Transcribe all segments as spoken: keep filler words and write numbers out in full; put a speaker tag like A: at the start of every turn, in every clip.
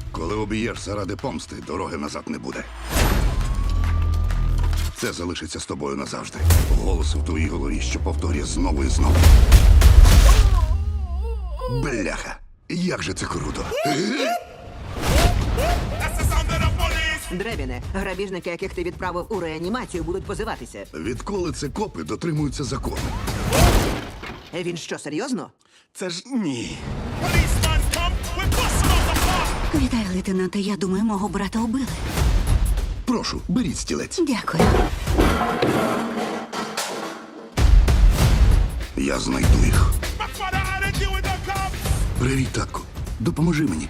A: Коли об'єш заради помсти, дороги назад не буде. Це залишиться з тобою назавжди. Голос у твоїй голові, що повторює знову і знову. Бляха! Як же це круто!
B: Дребіне, грабіжники, яких ти відправив у реанімацію, будуть позиватися.
A: Відколи це копи дотримуються закону?
B: Е, Він що, серйозно?
A: Це ж ні.
C: Вітаю, лейтенанте. Я думаю, мого брата убили.
A: Прошу, беріть стілець.
C: Дякую.
A: Я знайду їх. Привіт, татку. Допоможи мені.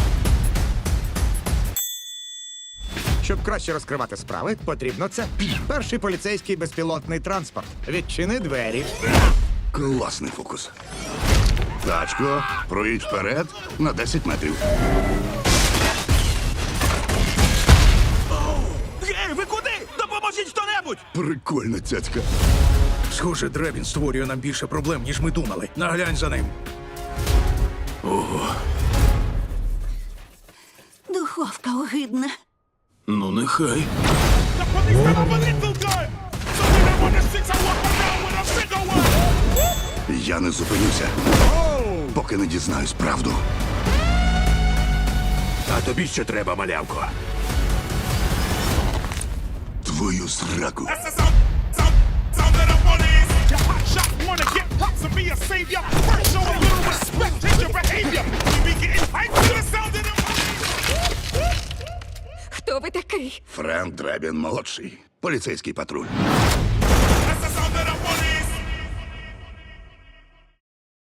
D: Щоб краще розкривати справи, потрібно це. Перший поліцейський безпілотний транспорт. Відчини двері.
A: Класний фокус. Тачко, проїдь вперед на десять метрів.
E: Гей, ви куди? Допоможіть хто-небудь!
A: Прикольна цяцька.
E: Схоже, Дребін створює нам більше проблем, ніж ми думали. Наглянь за ним.
C: Духовка огидна.
E: Ну, нехай.
A: Я не зупинюся, поки не дізнаюсь правду.
E: А тобі що треба, малявко?
A: Твою сраку.
C: Хто ви такий?
A: Френк Дребін молодший. Поліцейський патруль.